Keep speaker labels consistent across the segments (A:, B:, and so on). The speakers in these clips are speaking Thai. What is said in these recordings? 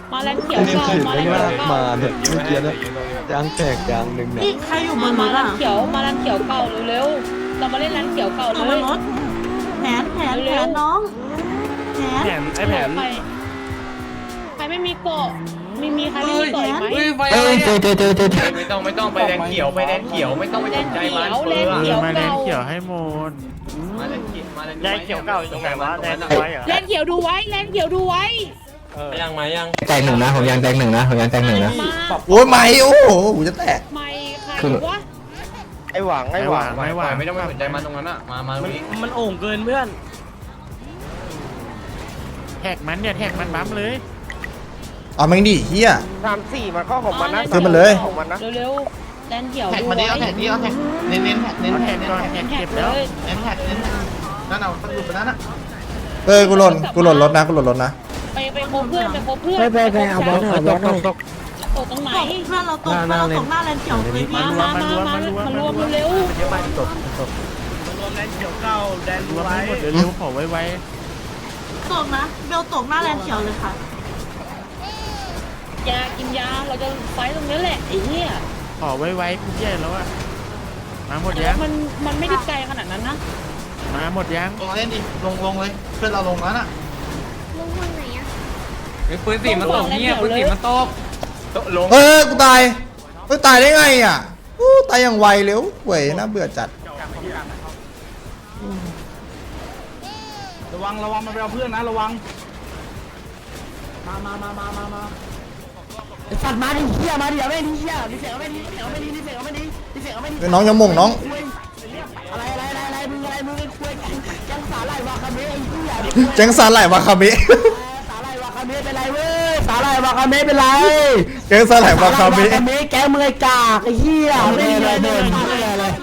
A: มาแลนเขียวเก่ามาแลนเขียวเก่า
B: มาเนี่ยเมื่อกี้นะยางแตกยางหนึ่งเนี่ย
C: นี่ใครอยู่บนร
A: มา
C: ถ
A: แล
C: อ่ะ
A: นเขียวมาแลนเขียวเก่าเร็วๆเรามาเล่นแลนเขียวเก่า
C: อยู่
A: เล
C: บน
A: ย
C: รถแผนน้องแผน
D: ไอ้แผน
A: ใครไม่มีเกาะมีใครไม่มีเกาะอีกไหม
D: ไฟอะไรเนี่ย
B: เจอ
D: ไม่ต้องไปแดงเขียวไปแดงเขียวไม่ต้องไปสนใจมัน
A: แลนเขียว
E: มาเล่
A: เก่าน
E: เขียวให้หมด
D: มาแดงเขียวมาแดง
F: แดงเขียวเก่าอยู่ตรงไหนวะแดงไว้เหรอ
A: แลนเขียวดูไว้แลนเขียวดูไว้
D: ยังไหมยัง
B: แตกหนึ่งนะผมยางแตกหนึ่งนะผมยางแตกหนึ่งนะ
A: มา
G: โอ้ยไม่โอ้โหกูจะแตก
A: ไม่ใครวะ
F: ไอ้หวัง
E: ไม่หวัง
D: ไม่ต้องไปสนใจมันตรงนั้นอ่ะมาตรงนี้
F: มันโอ่งเกินเพื่อน
E: แท็กมันเนี่ยแท็กมันบั๊มเลย
G: เอาแม่งดิเฮีย
F: 3-4มันเข้าของมันนะ
G: ขึ้นมาเลย
F: ของมันนะ
A: เร็วๆแลนเขียว
H: แท็ก
A: ดู
H: มาดิ
A: ไว้
H: เอาแท็กดิเอาแท็กเน้นแท็กเน้น
E: เอา
H: แท็
E: แท็
H: ก
E: กก่อนแท็ก
A: แท็
E: เก็
A: ก
E: บ
A: เล
E: แล้ว
A: ย
H: เน้นแท็กเน้นนั่นเอาตั้งหลุดไปนั้นอ่ะ
G: เออกูหล่นรถนะกูหล่นรถนะ
A: ไปโคเพื่อนไปโคเพื่อน
B: ไปเอาบอลหน่อยบอลหน่อย
A: ตกตรงไหน
C: ตกเพื่อนเราตกเพื่อนเราตกหน้าแลนเขียวเลยพี่
A: มารวมเร็ว
F: รวมแดงเขียวเก่าแดง
E: รวม
F: ไว้
E: ให้หมดเร็วๆขอไว
C: ตกนะเบลตกหน้าแลนเขียวเลยค่ะ
A: ยากินยาเราจะไฟตรงนี้แหละไอ้เหี้ย
E: ๆขอไวๆกูแย่แล้วอะมาหมด
A: แล้
E: ยั
A: ว
E: ง
A: มันไม่ได้ไกลขนาดนั้นนะ
E: มาหมดยัง
H: ลงเล่นดิลงเลยเพื่อนเราลงนั้นอ่ะ
D: ปืนสีมันตกเนี่ยปืนสีมันตกลง
G: เออกูตายเฮ้ยตายได้ไงอ่ะอู้ตายอย่างไวเร็วเว้ยน่าเบื่อจัด
H: ระวังมันไปเอาเพื่อนนะระวัง
B: สัตว์มาดิเฮียมาดิเอาไม่ดิเฮียดิเสียเอาไม่ดิเอาไม่ดิดิเสียเอาไม่ดิดิเสียเอาไม่ดิ
G: เฮ้ยน้องอยังมงน้อง
B: อะไรมึงคุยยังสาหร่ายวาคาเมะไอ้เหี้ย
G: แจ้งสารไหลวาคาเมะ
B: สาหร่ายวาคาเมะเป็นไรเว้ยสาหร่ายวาคาเมะเป็นไร
G: แจ้งสารไหลวาคาเมะ
B: แกมือจ่าไอ้เหี้ยไม่ได้เลยเลย
E: ยิงห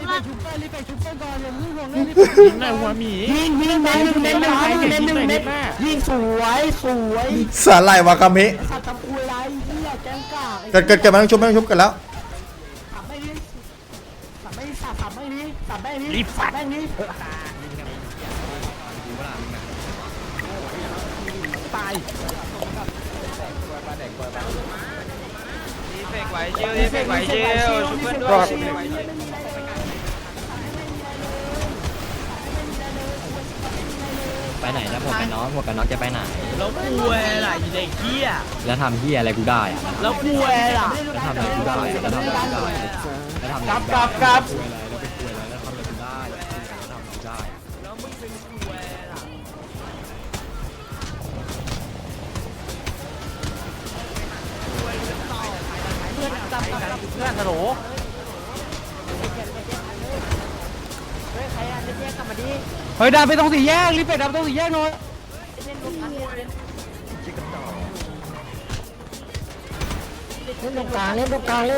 E: น่อยหัวหมี
B: ยิงเน้นหนึ่งยิงสวย
G: สารไหลวาคาเมะ
B: สัตว์ตะกุยไรเหี้ยแกงกาก
G: เกิดไม่ต้องชุบกันแล้ว
B: สับไม่ดีสับไม่ดีรีบสับแม่งนี้ตาย
F: ดีเฟกไหวเชียวดีเฟกไหวเชียวชุบเพื่อนด้วย
I: ไปไหนแล้วหมวกกันน็อกจะไปไหน
F: แล้วกูเวล่ะอีเด็กเหี้ย
I: แล้วทำเฮียอะไรกูได้อะ
F: แล้วกูเวล่ะ
I: แล้วทำอะไรกูได้อะแล้วทำอะไรกูได้อะแล้วทำอะไร
F: กลับ
I: คุยอะไรแล้วไปคุยอะไรแล้วทำอะไรกูได้อะแล้วทำอะไรกูได้
F: แล้วมึงเป็นกูเวล่ะ เพื่อนฮัลโหล
D: เฮ้ยดาไปตรงสี่แยกรีบไปดาไปตรงสี่แยกหน่อย
B: เล่นตรงกลางด้วย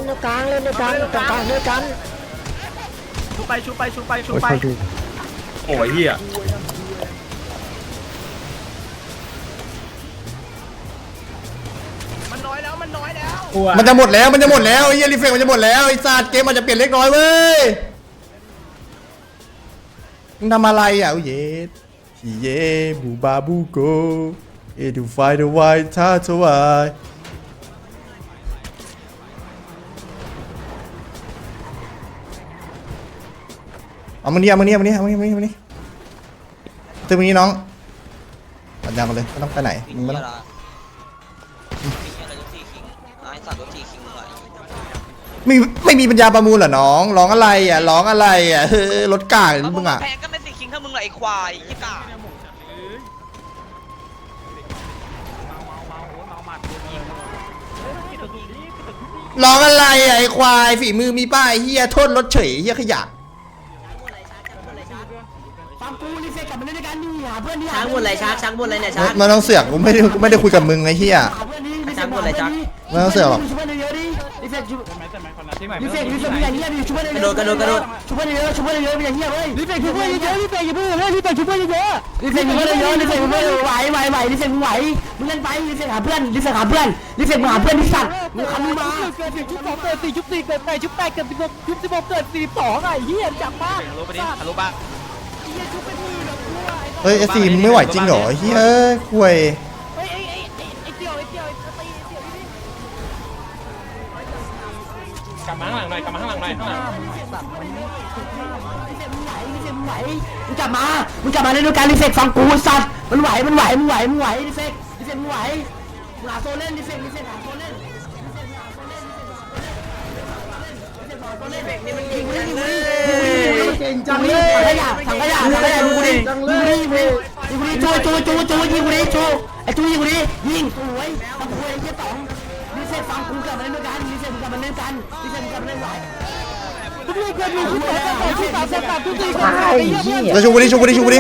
B: กัน
F: ชุบไป
D: โอ้ยเหี้ย
F: มันน้อยแล้วมัน
G: มันจะหมดแล้วไอ้เหี้ยรีเฟกมันจะหมดแล้วไอ้สัตว์เกมมันจะเปลี่ยนเล็กน้อยเว้ยมึงทำอะไรอ่ะโอ้ยเย่บูบาบูโกเอดูไฟเดอะไวท์ท่าทวายเอามึงนี่ตึงมึงนี่น้องปัญญามาเลยไม่ต้องไปไหนมึงไม่ต้องไม่มีปัญญาประมูลเหรอน้องร้องอะไรอ่ะเฮ้ยรถกากหรือมึงอ่ะ
F: แพงก็ไม่สิคิงถ้ามึงเหรอไอ้ควายยี่กา
G: ร้องอะไรอ่ะไอ้ควายฝีมือมีป้ายเฮียโทษรถเฉยเฮียขยะ
B: ฟังกูรีเฟกกลับมาเล่นด้วยกันนี่หาเพื่อนนี่
C: ช้างบนอะไรช้างบนอะไรเนี่ยช้าง
G: มันต้องเสือกกูไม่ได้คุยกับมึงไอ้เฮีย
B: หาเพื่อนนี่
C: ช้างบนอะไรช้าง
G: ไม่ต้องเสือกหรอก
B: ช่วยเยอะดิรีเฟกช่วยรีเฟกมีอย่างเงี้ยดิช่วยเยอะ
C: กระโดด
B: ช่วยเยอะมีอย่างเงี้ยเว้ยรีเฟกช่วยเยอะรีเฟกอย่าเพิ่งเลยรีเฟกช่วยเยอะรีเฟกช่วยเยอะรีเฟกไหวรีเฟกมึงไหวมึงเล่นไปรีเฟกหาเพื่อนรีเฟกมึงหาเพื่อนที่สัตว์มึงคำนี้มา
E: เกิดชุบ2เกิด4ชุบ4เกิด8ชุบ8เกิด16ชุบ16เกิด42ไอ้เหี้ยจังมาก
F: ฮัลโหลไปดิฮัลโหลบ้า
G: เฮ้ยไอ้ซีมึงไม่ไหวจริงเหรอเฮียคุย
E: ไอ้เตี้ยว
A: กลับมาข้างหลังหน่อยกลับมาข้างหลังหน่อยข้างหลัง
B: มึงกลับมาเล่นด้วยกันลิเซกฟังกูสัตว์มันไหวลิเซกมึงไหวหาโซเล่นลิเซกหาโซเล่นเก่งจังเลยถังขยะดูกูดิจูยิงกูดิจูไอ้จูยิงกูดิยิงสวยทำคุยไอ้เหี้ยต่องลิเซกฟังกูกลับมาเล่นด้วยกันลิเซกมึงกลับมาเล่นกันลิเซกมึงกลับมาเล่นไหว
G: แล้วชูกูดิ
E: ลิเบ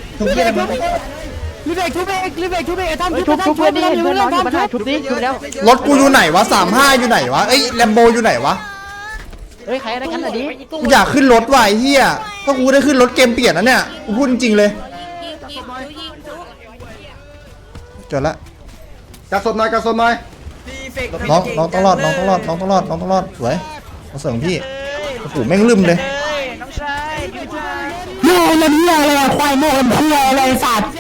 E: กชุบเองทำชุบเพื่อนดิเพื่อนน้องอยู่มาได้ชุบดิชุบแล้ว
G: รถกูอยู่ไหนวะ35อยู่ไหนวะเอ้ยแลมโบอยู่ไหนวะ
E: เฮ้ยใครอะไรกันอ่ะดิ
G: กูอยากขึ้นรถว่ะไอ้เหี้ยถ้ากูได้ขึ้นรถเกมเปลี่ยนนะเนี่ยกูพูดจริงๆเลยจบละ
H: กระสอบหน่อย
G: น้องต้องรอดสวยมาเสริมพี่โอ้โหแม่งลืมเลย
F: น้องชายพี่ชาย
B: โง่เลยเนี่ยอะไรควายโง่หัวอะไรสัตว์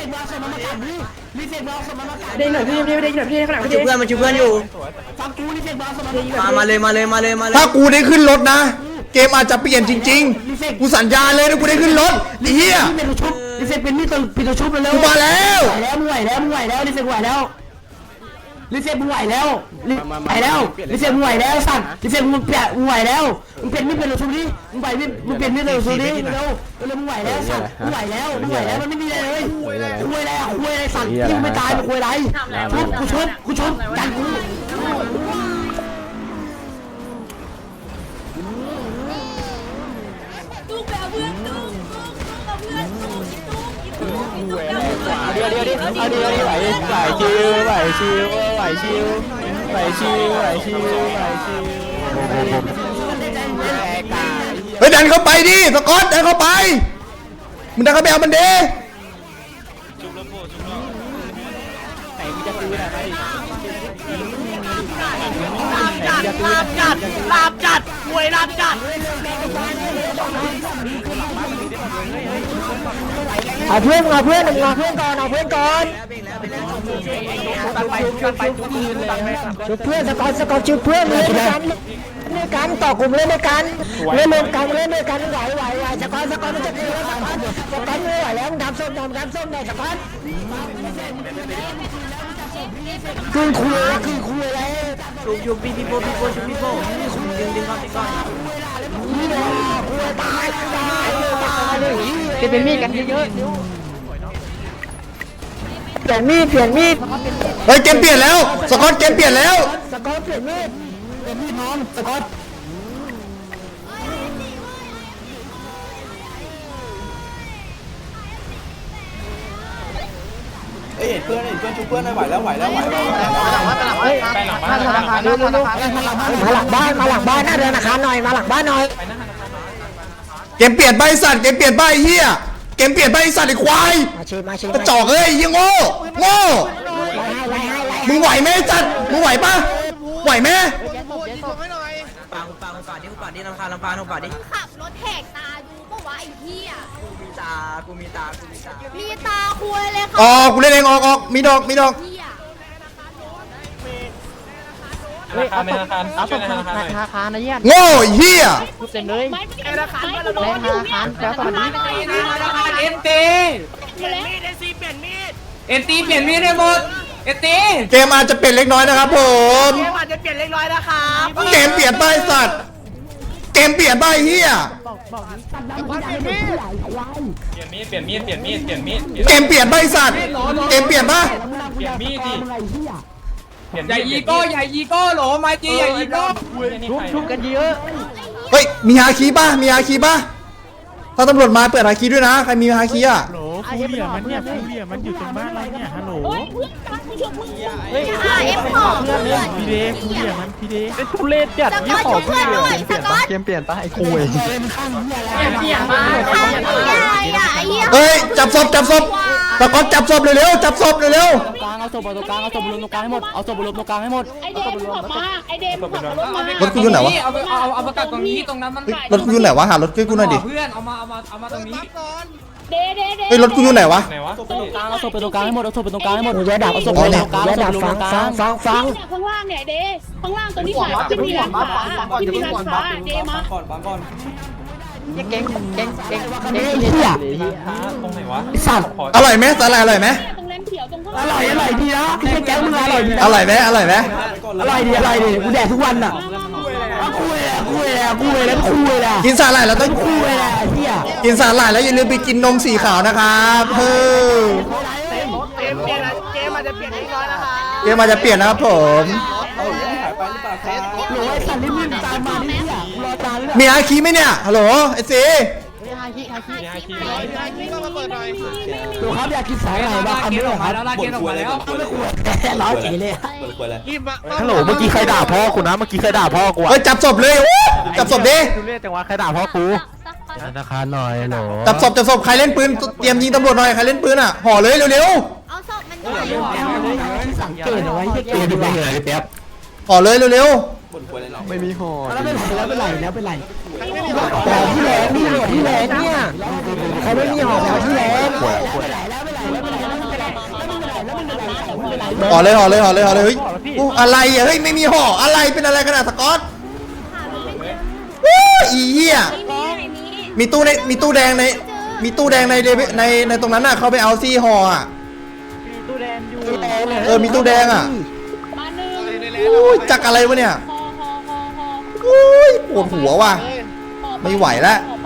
B: เด้งหน่อยพี่เด้งหน่อยพี่ข้างหลังพี่เพื่อนมันช่วยเพื่อนอยู่ฟังกูนี่เด็กมาเลย
G: ถ้ากูได้ขึ้นรถนะ เกมอาจจะเปลี่ยนจริงๆกูสัญญาเลยนะกูได้ขึ้นรถไอ้เหี้ย
B: ลิเซกเป็นมีดปิดตัวชุบแล้ว
G: กูมาแล้ว
B: มึงไหวแล้วลิเซกไหวแล้วลิเซกมึงไหวแล้วลิเซกมึงไหวแล้วสัตว์ลิเซกมึงไหวแล้วมึงเป็นมีดเป็นตัวชุบดิมึงไหวมีดมึงเป็นมีดเป็นตัวชุบดิเร็วมึงไหวแล้วสัตว์มึงไหวแล้วมันไม่มีอะไรเลยคุยอะไรสัตว์ที่มึงไม่ตายมึงคุยอะไรกูชุบกันกู
G: เฮ้ยดันเข้าไปดิสกอตดันเข้าไปมึงดันเข้าไปเอามันเด้
E: ลาบจัดหวยลาบจัดเอาเพื่อนก่อนชุบเพื่อนสกอตชุบเพื่อนเลยกันต่อกลุ่มเล่นด้วยกันเล่นด้วยกันไหวสกอตมันจะตีแล้วสกอตไม่ไหวแล้วมึงทำส้มหน่อยสกอตคืนคุยอะไรชุบพี่โป้ดึงก่อนตายเป็นมีดกันเยอะเปลี่ยนมีด
G: เฮ้ยเกมเปลี่ยนแล้วสกอตเกมเปลี่ยนแล้ว
E: สกอตเปลี่ยนมีดน้องสกอต
H: เพื่อนชุบเพื่อนได้ไหวแล้ว
E: มาหลังบ้านหน้าธนาคารหน่อยมาหลังบ้านหน่อย
G: เกมเปลี่ยนใบสัตว์เกมเปลี่ยนใบเฮียเกมเปลี่ยนใบสัตว์ไอ้ควายกระจอกเอ้ยยังโง่มึงไหวไหมจัดมึงไหวปะไหวไหม
B: ปากดิลำพานดิ
J: ขับรถแหกตาดูปะวะไอ้เหี้ย
B: กูมีตา
J: มีตาคุยเลยค่ะ
G: ออกกูเล่นเองออกมีดอก
J: เหี้ย
A: ธนาคารช่วยธนาคารหน่อย
E: ธนาคารนะเยี่ยม
G: โง่เฮีย
E: เต็มเลย
J: ไม่ธนาคารแล้วตอนนี้
E: แล้วตอนนี้
A: เอ็นตีได้หมดเอ็นตี
G: เกมอาจจะเปลี่ยนเล็กน้อยนะครับผม
E: อาจจะเปลี่ยนเล็กน้อยนะครับ
G: เกมเปลี่ยนใบสัตว์เกมเปลี่ยนใบเฮีย
A: เปลี่ยนมีด
G: เกมเปลี่ยนใบสัตว์เกมเปลี่ยนปะ
A: เปลี่ยนมีดดิอย่ายีโก้หรอมาจีอย่ายีโก้
E: ชุบกันเยอะ
G: เฮ้ยมีฮาคีป่ะถ้าตำรวจมาเปิดฮาคีด้วยนะใครมีฮาคีอ่ะ
E: ฟูเรียมันอยู่ตรงบ้านเราเนี่ยฮัลโหล
J: โอ้ยเพื่อนกันกูชมมึงเลยเอ็มสองเพื่อนพี่เดฟูเรียมันพี่เด
E: เป็นทุเรศจัด
J: สกอตช่วยเพื่อนหน่อยสกอต
I: เกมเปลี่ยนปะไอ้คุย
J: เหี้ยมากไอ้เหี้ย
G: เฮ้ยจับศพตะกอนจับศพเร็วๆจับศพเร็ว
E: กลางเอาศพตรงกลางเอาศพบนตรงกลางให้หมดเอาศพบนตรงกลางให้หมด
J: ไอเดมขับมาไอเดมขับรถมาร
G: ถกูอยู่ไหนวะ
A: เอาประกาศตรงนี้ตรงนั้นมัน
G: รถกูอยู่ไหนวะหารถกูหน่อยดิ
A: เพื่อนเอามาตรงนี้
J: เดเดเด
G: เฮ้ยรถกูอยู่ไหนวะ
A: ไหนวะ
C: ตรงกลางเอาศพไปตรงกลางให้หมดเอาศพไปตรงกลางให้หมด
E: มึงอย่าดับ
C: เอาศพไปตรงกลาง
E: อย่าดับ
C: เอาศพไปตรงกลาง
E: ฟัง
J: ข้างล่างเนี่ยเดข้างล่างตรงนี้ขวาที่มีร้านค้าที่มีร้านค้าเดมา
H: ก่อนฟังก่อน
B: ไอ้เหี้ย
A: ตรงไหนวะ
B: ไอ้สัตว์
G: อร่อยไหมสาหร่ายอร่อยไหม
J: ตรงแรมเขียวตรงข้าง
B: อร่อยดีนะไอ้แก๊งมึงอร่อยดีนะ
G: อร่อยไหมอร่อยไหม
B: อร่อยดีกูแดกทุกวันอ่ะคุยแล้ว
G: กินสาหร่ายแล้วต้อง
B: คุยแล้วไอ้เหี้ย
G: กินสาหร่ายแล้วอย่าลืมไปกินนมสีขาวนะครับเฮ้ยเกมอาจจะเปลี่ยนนะครับผม
H: เอาเรื่องหายไปหรือเปล่าครับ
B: โหไอ้สัตว์นี่มึงตามมาดิเหี้ยกูรอตามเลย
G: มีอาคีไหมเนี่ยฮัลโหลไอ้ซี
B: ดูครับอยากกินสายไหนบ้างอันนี้เหรอครับ
A: ลากเกณฑ์ออกมาแล้ว
B: ร้อยจีเลย
H: เปิดกล้วยเลย
D: ฮัลโหลเมื่อกี้ใครด่าพ่อกูนะเมื่อกี้ใครด่าพ่อกู
G: เฮ้ยจับศพเลยโอ้จับศพดิ
D: ดูเรียกจังหวะใครด่าพ่อกูธนาคารหน่อยหนู
G: จับศพใครเล่นปืนเตรียมยิงตำรวจหน่อยใครเล่นปืนอ่ะห่อเลยเร็ว
J: เอาศพมันด้วย
B: สังเกตเอาไว้เกตดูไปเลย
G: ๆห่อเลยเร็ว
H: บนกล้วยเลยเนาะ
I: ไม่มีห่อ
B: แล้วเป็นไร
E: แต่ที่แรงนี่หมดที่แรงเนี่ยเขาไม่มีหอบแล้วที่แรง
G: ห่อเลยเฮ้ยอู้อะไรอ่ะเฮ้ยไม่มีห่ออะไรเป็นอะไรขนาดสกอตวู้อีเหี้ยมีตู้แดงในตรงนั้นน่ะเขาไปเอาซี่ห่ออ่ะมีตู้แดงอ่ะ
J: มาหนึ่ง
G: อู้จักอะไรวะเนี่ย
J: พอ
G: อุ้ยปวดหัวว่ะไม่ไหวแล้ว
J: พอ